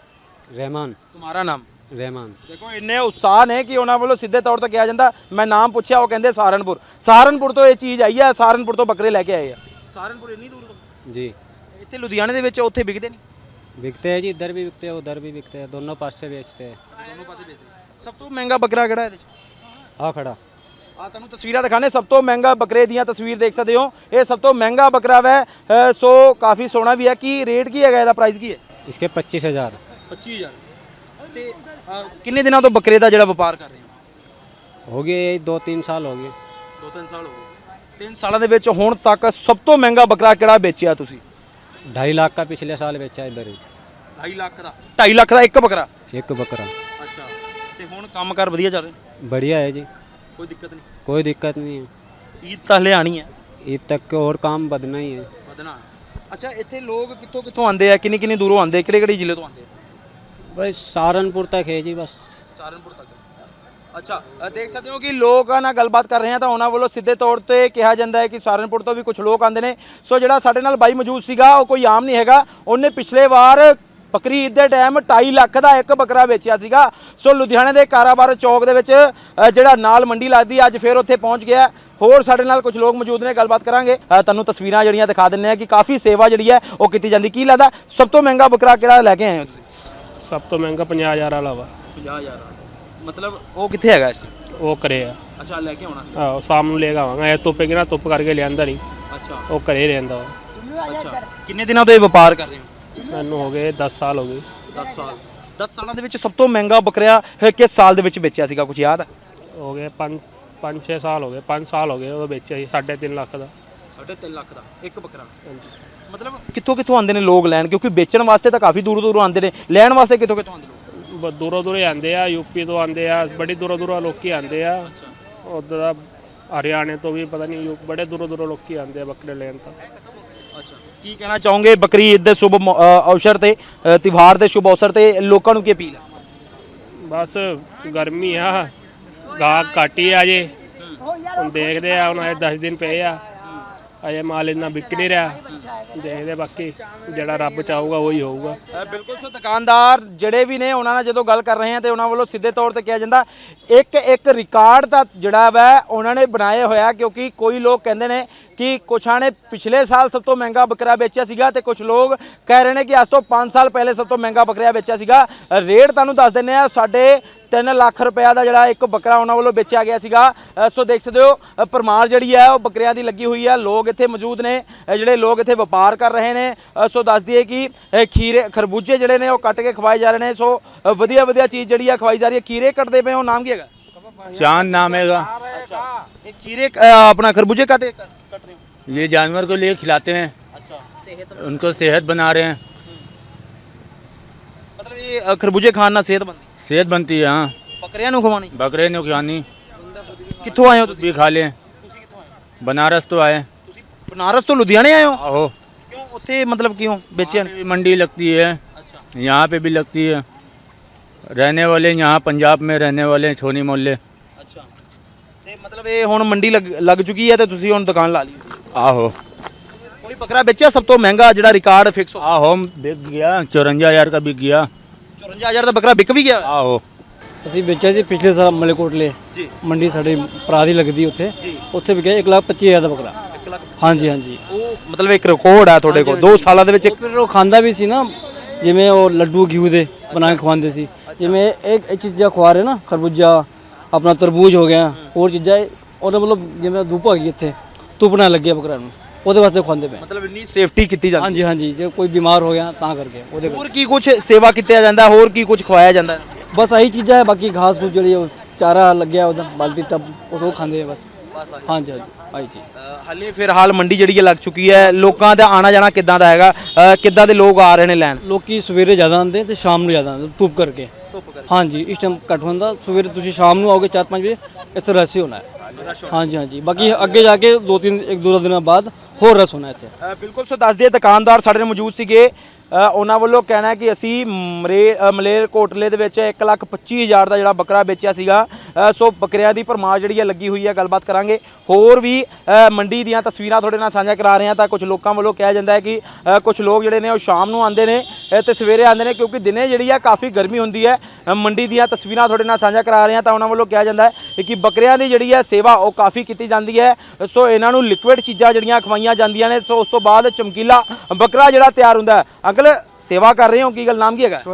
Speaker 6: रहमान।
Speaker 1: ਤੁਹਾਡਾ ਨਾਮ?
Speaker 6: रहमान।
Speaker 1: ਦੇਖੋ ਇੰਨੇ ਉਤਸ਼ਾਹ ਨੇ ਕਿ ਉਹਨਾਂ ਵੱਲੋਂ ਸਿੱਧੇ ਤੌਰ ਤੇ ਕਿਹਾ ਜਾਂਦਾ, ਮੈਂ ਨਾਮ ਪੁੱਛਿਆ ਉਹ ਕਹਿੰਦੇ ਸਹਾਰਨਪੁਰ। ਸਹਾਰਨਪੁਰ ਤੋਂ ਇਹ ਚੀਜ਼ ਆਈ ਹੈ, ਸਹਾਰਨਪੁਰ ਤੋਂ ਬੱਕਰੇ ਲੈ ਕੇ ਆਏ ਆ। ਸਹਾਰਨਪੁਰ ਇੰਨੀ ਦੂਰ ਤੋਂ?
Speaker 6: जी
Speaker 1: ਇੱਥੇ ਲੁਧਿਆਣੇ ਦੇ ਵਿੱਚ ਉੱਥੇ ਵਿਕਦੇ ਨਹੀਂ?
Speaker 6: बिकते हैं जी, इधर भी बिकते हैं उधर भी बिकते हैं, दोनों पास से बेचते हैं।
Speaker 1: ਦੋਨੋਂ ਪਾਸੇ ਵੇਚਦੇ। ਸਭ ਤੋਂ ਮਹਿੰਗਾ ਬੱਕਰਾ ਕਿਹੜਾ ਇਹਦੇ ਚ?
Speaker 6: हाँ खड़ा।
Speaker 1: ਆ ਤੁਹਾਨੂੰ ਤਸਵੀਰਾਂ ਦਿਖਾਣੇ, ਸਭ ਤੋਂ ਮਹਿੰਗਾ ਬੱਕਰੇ ਦੀਆਂ ਤਸਵੀਰ ਦੇਖ ਸਕਦੇ ਹੋ। ਇਹ ਸਭ ਤੋਂ ਮਹਿੰਗਾ ਬੱਕਰਾ ਵੈ। ਅ, ਸੋ ਕਾਫੀ ਸੋਹਣਾ ਵੀ ਹੈ। ਕੀ ਰੇਟ ਕੀ ਹੈਗਾ ਇਹਦਾ, ਪ੍ਰਾਈਸ ਕੀ ਹੈ?
Speaker 6: इसके पच्चीस हज़ार।
Speaker 1: ਪੱਚੀ ਹਜ਼ਾਰ। ਤੇ ਅ, ਕਿੰਨੇ ਦਿਨਾਂ ਤੋਂ ਬੱਕਰੇ ਦਾ ਜਿਹੜਾ ਵਪਾਰ ਕਰ ਰਹੇ ਹੋ?
Speaker 6: हो गए यही दो तीन साल हो गए।
Speaker 1: ਦੋ ਤਿੰਨ ਸਾਲ ਹੋ ਗਏ। ਤਿੰਨ ਸਾਲਾਂ ਦੇ ਵਿੱਚ ਹੁਣ ਤੱਕ ਸਭ ਤੋਂ ਮਹਿੰਗਾ ਬੱਕਰਾ ਕਿਹੜਾ ਵੇਚਿਆ ਤੁਸੀਂ?
Speaker 6: ढाई लाख का पिछले साल बेचा इधर ही,
Speaker 1: ਢਾਈ ਲੱਖ ਦਾ? ਢਾਈ ਲੱਖ ਦਾ ਇੱਕ ਬੱਕਰਾ?
Speaker 6: एक बकरा।
Speaker 1: ਅੱਛਾ। ਤੇ ਹੁਣ ਕੰਮਕਾਰ ਵਧੀਆ ਚੱਲ ਰਿਹਾ?
Speaker 6: बढ़िया है जी,
Speaker 1: ਕੋਈ ਦਿੱਕਤ ਨਹੀਂ?
Speaker 6: कोई दिक्कत नहीं है।
Speaker 1: ਈਦ ਤਾਂ ਹਲੇ ਆਣੀ ਹੈ,
Speaker 6: ईद तक के और काम बढ़ना ही है।
Speaker 1: ਵਧਣਾ। ਅੱਛਾ, ਇੱਥੇ ਲੋਕ ਕਿੱਥੋਂ ਕਿੱਥੋਂ ਆਉਂਦੇ ਆ, ਕਿੰਨੀ ਕਿੰਨੀ ਦੂਰੋਂ ਆਉਂਦੇ, ਕਿਹੜੇ ਕਿਹੜੇ ਜ਼ਿਲ੍ਹੇ ਤੋਂ ਆਉਂਦੇ ਆ?
Speaker 6: बस सहारनपुर तक है जी बस।
Speaker 1: ਸਹਾਰਨਪੁਰ ਤੱਕ। ਅੱਛਾ, ਅ, ਦੇਖ ਸਕਦੇ ਹੋ ਕਿ ਲੋਕਾਂ ਨਾਲ ਗੱਲਬਾਤ ਕਰ ਰਹੇ ਹਾਂ ਤਾਂ ਉਹਨਾਂ ਵੱਲੋਂ ਸਿੱਧੇ ਤੌਰ ਤੇ ਕਿਹਾ ਜਾਂਦਾ ਹੈ ਕਿ ਸਹਾਰਨਪੁਰ ਤੋਂ ਵੀ ਕੁਝ ਲੋਕ ਆਉਂਦੇ ਨੇ। ਸੋ ਜਿਹੜਾ ਸਾਡੇ ਨਾਲ ਬਾਈ ਮੌਜੂਦ ਸੀਗਾ ਉਹ ਕੋਈ ਆਮ ਨਹੀਂ ਹੈਗਾ, ਉਹਨੇ ਪਿਛਲੇ ਵਾਰ ਬੱਕਰੀ ਈਦ ਦੇ ਟਾਈਮ ਢਾਈ ਲੱਖ ਦਾ ਇੱਕ ਬੱਕਰਾ ਵੇਚਿਆ ਸੀਗਾ। ਸੋ ਲੁਧਿਆਣੇ ਦੇ ਕਾਰਾਬਾਰ ਚੌਕ ਦੇ ਵਿੱਚ ਅ, ਜਿਹੜਾ ਨਾਲ ਮੰਡੀ ਲੱਗਦੀ ਅੱਜ ਫਿਰ ਉੱਥੇ ਪਹੁੰਚ ਗਿਆ। ਹੋਰ ਸਾਡੇ ਨਾਲ ਕੁਝ ਲੋਕ ਮੌਜੂਦ ਨੇ, ਗੱਲਬਾਤ ਕਰਾਂਗੇ। ਅ, ਤੁਹਾਨੂੰ ਤਸਵੀਰਾਂ ਜਿਹੜੀਆਂ ਦਿਖਾ ਦਿੰਦੇ ਆ ਕਿ ਕਾਫੀ ਸੇਵਾ ਜਿਹੜੀ ਹੈ ਉਹ ਕੀਤੀ ਜਾਂਦੀ। ਕੀ ਲੱਗਦਾ ਸਭ ਤੋਂ ਮਹਿੰਗਾ ਬੱਕਰਾ ਕਿਹੜਾ ਲੈ ਕੇ ਆਏ ਹੋ ਤੁਸੀਂ?
Speaker 5: ਸਭ ਤੋਂ ਮਹਿੰਗਾ ਪੰਜਾਹ ਹਜ਼ਾਰ ਵਾਲਾ ਵਾ।
Speaker 1: ਪੰਜਾਹ ਹਜ਼ਾਰ? ਮਤਲਬ ਉਹ ਕਿੱਥੇ ਹੈਗਾ ਇਸ ਟਾਈਮ?
Speaker 5: ਉਹ ਕਰੇ ਆ।
Speaker 1: ਅੱਛਾ, ਲੈ ਕੇ ਆਉਣਾ?
Speaker 5: ਆਹੋ ਸ਼ਾਮ ਨੂੰ ਲੈ ਕੇ ਆਵਾਂਗਾ। ਇਹ ਧੁੱਪੇ ਕਿਨਾ ਧੁੱਪ ਕਰਕੇ ਲਿਆਂਦਾ ਨਹੀਂ,
Speaker 1: ਅੱਛਾ
Speaker 5: ਉਹ ਘਰੇ ਰਹਿੰਦਾ ਵਾ।
Speaker 1: ਅੱਛਾ। ਕਿੰਨੇ ਦਿਨਾਂ ਤੋਂ ਇਹ ਵਪਾਰ ਕਰ ਰਹੇ ਹੋ?
Speaker 5: ਮੈਨੂੰ ਹੋ ਗਏ ਦਸ ਸਾਲ ਹੋ ਗਏ।
Speaker 1: ਦਸ ਸਾਲ? ਦਸ ਸਾਲਾਂ ਦੇ ਵਿੱਚ ਸਭ ਤੋਂ ਮਹਿੰਗਾ ਬੱਕਰਾ ਕਿਸ ਸਾਲ ਦੇ ਵਿੱਚ ਵੇਚਿਆ ਸੀਗਾ, ਕੁਝ ਯਾਦ ਹੈ?
Speaker 5: ਹੋ ਗਏ ਪੰਜ ਪੰਜ ਛੇ ਸਾਲ ਹੋ ਗਏ, ਪੰਜ ਸਾਲ ਹੋ ਗਏ ਉਹ ਵੇਚਿਆ ਸੀ ਸਾਢੇ ਤਿੰਨ ਲੱਖ ਦਾ।
Speaker 1: ਸਾਢੇ ਤਿੰਨ ਲੱਖ ਦਾ ਇੱਕ ਬੱਕਰਾ।
Speaker 5: ਹਾਂਜੀ।
Speaker 1: ਮਤਲਬ ਕਿੱਥੋਂ ਕਿੱਥੋਂ ਆਉਂਦੇ ਨੇ ਲੋਕ ਲੈਣ, ਕਿਉਂਕਿ ਵੇਚਣ ਵਾਸਤੇ ਤਾਂ ਕਾਫੀ ਦੂਰੋਂ ਦੂਰੋਂ ਆਉਂਦੇ ਨੇ, ਲੈਣ ਵਾਸਤੇ ਕਿੱਥੋਂ ਕਿੱਥੋਂ ਆਉਂਦੇ ਲੋਕ?
Speaker 5: ਬ- ਦੂਰੋਂ ਦੂਰੋਂ ਹੀ ਆਉਂਦੇ ਆ, ਯੂਪੀ ਤੋਂ ਆਉਂਦੇ ਆ, ਬੜੀ ਦੂਰੋਂ ਦੂਰੋਂ ਲੋਕੀ ਆਉਂਦੇ ਆ। ਉੱਧਰ ਦਾ ਹਰਿਆਣੇ ਤੋਂ ਵੀ ਪਤਾ ਨਹੀਂ, ਬੜੇ ਦੂਰੋਂ ਦੂਰੋਂ ਲੋਕੀ ਆਉਂਦੇ ਆ ਬੱਕਰੇ ਲੈਣ ਤਾਂ।
Speaker 1: ਅੱਛਾ, ਕੀ ਕਹਿਣਾ ਚਾਹੋਗੇ ਬਕਰੀ ਈਦ ਦੇ ਸ਼ੁਭ ਮੌ- ਅ, ਅਵਸਰ ਤੇ, ਅ, ਤਿਉਹਾਰ ਦੇ ਸ਼ੁਭ ਅਵਸਰ ਤੇ ਲੋਕਾਂ ਨੂੰ ਕੀ ਅਪੀਲ ਹੈ?
Speaker 5: ਬਸ ਗਰਮੀ ਆ, ਗਾਹਕ ਘੱਟ ਹੀ ਆ ਜੇ, ਹੁਣ ਦੇਖਦੇ ਆ, ਹੁਣ ਅਜੇ ਦਸ ਦਿਨ ਪਏ ਆ, ਅਜੇ ਮਾਲ ਇੰਨਾ ਵਿਕ ਨਹੀਂ ਰਿਹਾ, ਦੇਖਦੇ ਬਾਕੀ ਜਿਹੜਾ ਰੱਬ ਚਾਹੂਗਾ ਉਹੀ ਹੋਊਗਾ।
Speaker 1: ਬਿਲਕੁਲ ਸੋ ਦੁਕਾਨਦਾਰ ਜਿਹੜੇ ਵੀ ਨੇ ਉਹਨਾਂ ਨਾਲ ਜਦੋਂ ਗੱਲ ਕਰ ਰਹੇ ਹਾਂ ਤੇ ਉਹਨਾਂ ਵੱਲੋਂ ਸਿੱਧੇ ਤੌਰ ਤੇ ਕਿਹਾ ਜਾਂਦਾ ਇੱਕ ਇੱਕ ਰਿਕਾਰਡ ਤਾਂ ਜਿਹੜਾ ਵਾ ਉਹਨਾਂ ਨੇ ਬਣਾਏ ਹੋਇਆ, ਕਿਉਂਕਿ ਕੋਈ ਲੋਕ ਕਹਿੰਦੇ ਨੇ ਕਿ ਕੁਛਾਂ ਨੇ ਪਿਛਲੇ ਸਾਲ ਸਭ ਤੋਂ ਮਹਿੰਗਾ ਬੱਕਰਾ ਵੇਚਿਆ ਸੀਗਾ ਤੇ ਕੁਝ ਲੋਕ ਕਹਿ ਰਹੇ ਨੇ ਕਿ ਅੱਜ ਤੋਂ ਪੰਜ ਸਾਲ ਪਹਿਲੇ ਸਭ ਤੋਂ ਮਹਿੰਗਾ ਬੱਕਰਾ ਵੇਚਿਆ ਸੀਗਾ। ਰੇਟ ਤੁਹਾਨੂੰ ਦੱਸ ਦਿੰਦੇ ਆ, ਸਾਡੇ ਤਿੰਨ ਲੱਖ ਰੁਪਇਆ ਦਾ ਜਿਹੜਾ ਇੱਕ ਬੱਕਰਾ ਉਹਨਾਂ ਵੱਲੋਂ ਵੇਚਿਆ ਗਿਆ ਸੀਗਾ। ਅ, ਸੋ ਦੇਖ ਸਕਦੇ ਹੋ ਅ, ਪਰਮਾਰ ਜਿਹੜੀ ਹੈ ਉਹ ਬੱਕਰਿਆਂ ਦੀ ਲੱਗੀ ਹੋਈ ਹੈ, ਲੋਕ ਇੱਥੇ ਮੌਜੂਦ ਨੇ, ਅ, ਜਿਹੜੇ ਲੋਕ ਇੱਥੇ ਵਪਾਰ ਕਰ ਰਹੇ ਨੇ। ਅ, ਸੋ ਦੱਸ ਦਈਏ ਕਿ ਅ, ਖੀਰੇ ਖਰਬੂਜੇ ਜਿਹੜੇ ਨੇ ਉਹ ਕੱਟ ਕੇ ਖਵਾਏ ਜਾ ਰਹੇ ਨੇ। ਸੋ ਅ, ਵਧੀਆ ਵਧੀਆ ਚੀਜ਼ ਜਿਹੜੀ ਆ ਖਵਾਈ ਜਾ ਰਹੀ ਹੈ। ਖੀਰੇ ਕੱਟਦੇ ਪਏ ਹੋ, ਨਾਮ ਕੀ ਹੈਗਾ?
Speaker 8: चांद नाम हैगा।
Speaker 1: अच्छा, ये खीरे अ, अपना खरबूजे का कट रहे हो?
Speaker 8: ये जानवर को लिए खिलाते हैं।
Speaker 1: अच्छा,
Speaker 8: उनको सेहत बना रहे हैं।
Speaker 1: मतलब ये अ, खरबूजे खाना सेहत बनती,
Speaker 8: सेहत बनती है। हाँ,
Speaker 1: बकरियां ਨੂੰ ਖਵਾਣੀ।
Speaker 8: बकरे ने खिलानी।
Speaker 1: ਕਿੱਥੋਂ ਆਏ ਹੋ ਤੁਸੀਂ?
Speaker 8: भी खा लें।
Speaker 1: ਤੁਸੀਂ ਕਿੱਥੋਂ ਆਏ ਹੋ?
Speaker 8: बनारस तो आए।
Speaker 1: ਤੁਸੀਂ ਬਨਾਰਸ ਤੋਂ ਲੁਧਿਆਣੇ ਆਏ ਹੋ?
Speaker 8: आहो,
Speaker 1: ਕਿਉਂ ਉੱਥੇ ਮਤਲਬ ਕਿਉਂ ਵੇਚਿਆ?
Speaker 8: वहाँ पे भी मंडी लगती है,
Speaker 1: अच्छा,
Speaker 8: यहाँ पे भी लगती है। रहने वाले यहाँ पंजाब में रहने वाले छोनी मोहल्ले।
Speaker 1: अच्छा, ਤੇ ਮਤਲਬ ਇਹ ਹੁਣ ਮੰਡੀ ਲੱਗ ਲੱਗ ਚੁੱਕੀ ਹੈ ਤੇ ਤੁਸੀਂ ਹੁਣ ਦੁਕਾਨ ਲਾ ਲਈ।
Speaker 8: आहो
Speaker 1: ਕੋਈ ਬੱਕਰਾ ਵੇਚਿਆ ਸਭ ਤੋਂ ਮਹਿੰਗਾ ਜਿਹੜਾ ਰਿਕਾਰਡ ਫਿਕਸ ਹੋ?
Speaker 8: आहो बिक गया, चौरंजा हजार का बिक गया।
Speaker 1: ਚੌਰੰਜਾ ਹਜ਼ਾਰ ਦਾ ਬੱਕਰਾ ਵਿਕ ਵੀ ਗਿਆ?
Speaker 8: आहो
Speaker 6: ਅਸੀਂ ਵੇਚਿਆ ਸੀ ਪਿਛਲੇ ਸਾਲ ਮਲੇਕੋਟਲੇ
Speaker 1: ਜੀ
Speaker 6: ਮੰਡੀ ਸਾਡੇ ਭਰਾ ਦੀ ਲੱਗਦੀ ਉੱਥੇ,
Speaker 1: ਜੀ,
Speaker 6: ਉੱਥੇ ਵਿਕਿਆ ਇੱਕ ਲੱਖ ਪੱਚੀ ਹਜ਼ਾਰ ਦਾ ਬੱਕਰਾ।
Speaker 1: ਇੱਕ ਲੱਖ।
Speaker 6: ਹਾਂਜੀ ਹਾਂਜੀ।
Speaker 1: ਉਹ ਮਤਲਬ ਇੱਕ ਰਿਕਾਰਡ ਆ ਤੁਹਾਡੇ ਕੋਲ ਦੋ ਸਾਲਾਂ ਦੇ ਵਿੱਚ?
Speaker 6: ਉਹ ਫਿਰ ਉਹ ਖਾਂਦਾ ਵੀ ਸੀ ਨਾ, ਜਿਵੇਂ ਉਹ ਲੱਡੂ ਘਿਓ ਦੇ ਬਣਾ ਕੇ ਖਵਾਉਂਦੇ ਸੀ, ਜਿਵੇਂ ਇੱਕ ਇਹ ਚੀਜ਼ਾਂ ਖਵਾ ਰਹੇ ਨਾ, ਖਰਬੂਜਾ ਆਪਣਾ ਤਰਬੂਜ ਹੋ ਗਿਆ, ਹੋਰ ਚੀਜ਼ਾਂ ਉਹਦੇ ਮਤਲਬ ਜਿਵੇਂ ਧੁੱਪ ਆ ਗਈ ਇੱਥੇ, ਧੁੱਪ ਨਾ ਲੱਗੇ ਬੱਕਰਾ ਨੂੰ, ਉਹਦੇ ਵਾਸਤੇ ਖਵਾਉਂਦੇ ਪਏ।
Speaker 1: ਮਤਲਬ ਇੰਨੀ ਸੇਫਟੀ ਕੀਤੀ ਜਾਂਦੀ?
Speaker 6: ਹਾਂਜੀ ਹਾਂਜੀ, ਜੇ ਕੋਈ ਬਿਮਾਰ ਹੋ ਗਿਆ ਤਾਂ ਕਰਕੇ ਉਹਦੇ
Speaker 1: ਹੋਰ ਕੀ ਕੁਝ ਸੇਵਾ ਕੀਤਾ ਜਾਂਦਾ, ਹੋਰ ਕੀ ਕੁਝ ਖਵਾਇਆ ਜਾਂਦਾ?
Speaker 6: ਬਸ ਆਹੀ ਚੀਜ਼ਾਂ ਹੈ, ਬਾਕੀ ਘਾਸ ਘੂਸ ਜਿਹੜੀ ਉਹ ਚਾਰਾ ਲੱਗਿਆ ਉਹਦਾ ਬਾਲਟੀ ਟੱਬ ਉਹ ਖਾਂਦੇ ਆ ਬਸ। ਹਾਂਜੀ ਹਾਂਜੀ ਆਹੀ ਚੀਜ਼।
Speaker 1: ਹਾਲੇ ਫਿਲਹਾਲ ਮੰਡੀ ਜਿਹੜੀ ਹੈ ਲੱਗ ਚੁੱਕੀ ਹੈ, ਲੋਕਾਂ ਦਾ ਆਣਾ ਜਾਣਾ ਕਿੱਦਾਂ ਦਾ ਹੈਗਾ, ਅ, ਕਿੱਦਾਂ ਦੇ ਲੋਕ ਆ ਰਹੇ ਨੇ ਲੈਣ?
Speaker 6: ਲੋਕੀ ਸਵੇਰੇ ਜ਼ਿਆਦਾ ਆਉਂਦੇ ਤੇ ਸ਼ਾਮ ਨੂੰ ਜ਼ਿਆਦਾ ਆਉਂਦੇ ਧੁੱਪ ਕਰਕੇ।
Speaker 1: ਧੁੱਪ ਕਰਕੇ?
Speaker 6: ਹਾਂਜੀ, ਇਸ ਟਾਈਮ ਘੱਟ ਹੁੰਦਾ, ਸਵੇਰੇ ਤੁਸੀਂ ਸ਼ਾਮ ਨੂੰ ਆਓਗੇ ਚਾਰ ਪੰਜ ਵਜੇ ਇੱਥੇ ਰਸ਼ ਹੀ ਹੋਣਾ ਹੈ। ਹਾਂਜੀ ਹਾਂਜੀ, ਬਾਕੀ ਅੱਗੇ ਜਾ ਕੇ ਦੋ ਤਿੰਨ ਇੱਕ ਦੋ ਦਿਨਾਂ ਬਾਅਦ ਹੋਰ ਰਸ਼ ਹੋਣਾ ਇੱਥੇ।
Speaker 1: ਅ, ਬਿਲਕੁਲ ਸੋ ਦੱਸ ਦਈਏ ਦੁਕਾਨਦਾਰ ਸਾਡੇ ਨਾਲ ਮੌਜੂਦ ਸੀਗੇ, ਅ, ਉਹਨਾਂ ਵੱਲੋਂ ਕਹਿਣਾ ਹੈ ਕਿ ਅਸੀਂ ਮਰੇ ਅ, ਮਲੇਰਕੋਟਲੇ ਦੇ ਵਿੱਚ ਇੱਕ ਲੱਖ ਪੱਚੀ ਹਜ਼ਾਰ ਦਾ ਜਿਹੜਾ ਬੱਕਰਾ ਵੇਚਿਆ ਸੀਗਾ। ਅ, ਸੋ ਬੱਕਰਿਆਂ ਦੀ ਭਰਮਾਰ ਜਿਹੜੀ ਹੈ ਲੱਗੀ ਹੋਈ ਹੈ। ਗੱਲਬਾਤ ਕਰਾਂਗੇ, ਹੋਰ ਵੀ ਅ, ਮੰਡੀ ਦੀਆਂ ਤਸਵੀਰਾਂ ਤੁਹਾਡੇ ਨਾਲ ਸਾਂਝਾ ਕਰਾ ਰਹੇ ਹਾਂ। ਤਾਂ ਕੁਝ ਲੋਕਾਂ ਵੱਲੋਂ ਕਿਹਾ ਜਾਂਦਾ ਹੈ ਕਿ ਅ, ਕੁਝ ਲੋਕ ਜਿਹੜੇ ਨੇ ਉਹ ਸ਼ਾਮ ਨੂੰ ਆਉਂਦੇ ਨੇ ਅ, ਤੇ ਸਵੇਰੇ ਆਉਂਦੇ ਨੇ, ਕਿਉਂਕਿ ਦਿਨੇ ਜਿਹੜੀ ਹੈ ਕਾਫੀ ਗਰਮੀ ਹੁੰਦੀ ਹੈ। ਅ, ਮੰਡੀ ਦੀਆਂ ਤਸਵੀਰਾਂ ਤੁਹਾਡੇ ਨਾਲ ਸਾਂਝਾ ਕਰਾ ਰਹੇ ਹਾਂ। ਤਾਂ ਉਹਨਾਂ ਵੱਲੋਂ ਕਿਹਾ ਜਾਂਦਾ ਹੈ ਕਿ ਬੱਕਰਿਆਂ ਦੀ ਜਿਹੜੀ ਹੈ ਸੇਵਾ ਉਹ ਕਾਫੀ ਕੀਤੀ ਜਾਂਦੀ ਹੈ। ਸੋ ਇਹਨਾਂ ਨੂੰ ਲਿਕੁਇਡ ਚੀਜ਼ਾਂ ਜਿਹੜੀਆਂ ਖਵਾਈਆਂ ਜਾਂਦੀਆਂ ਨੇ, ਸੋ ਉਸ ਤੋਂ ਬਾਅਦ ਚਮਕੀਲਾ ਬੱਕਰਾ ਜਿਹੜਾ ਤਿਆਰ ਹੁੰਦਾ ਹੈ। ਅੰਕਲ सेवा कर रहे हो, की गल नाम क्या है?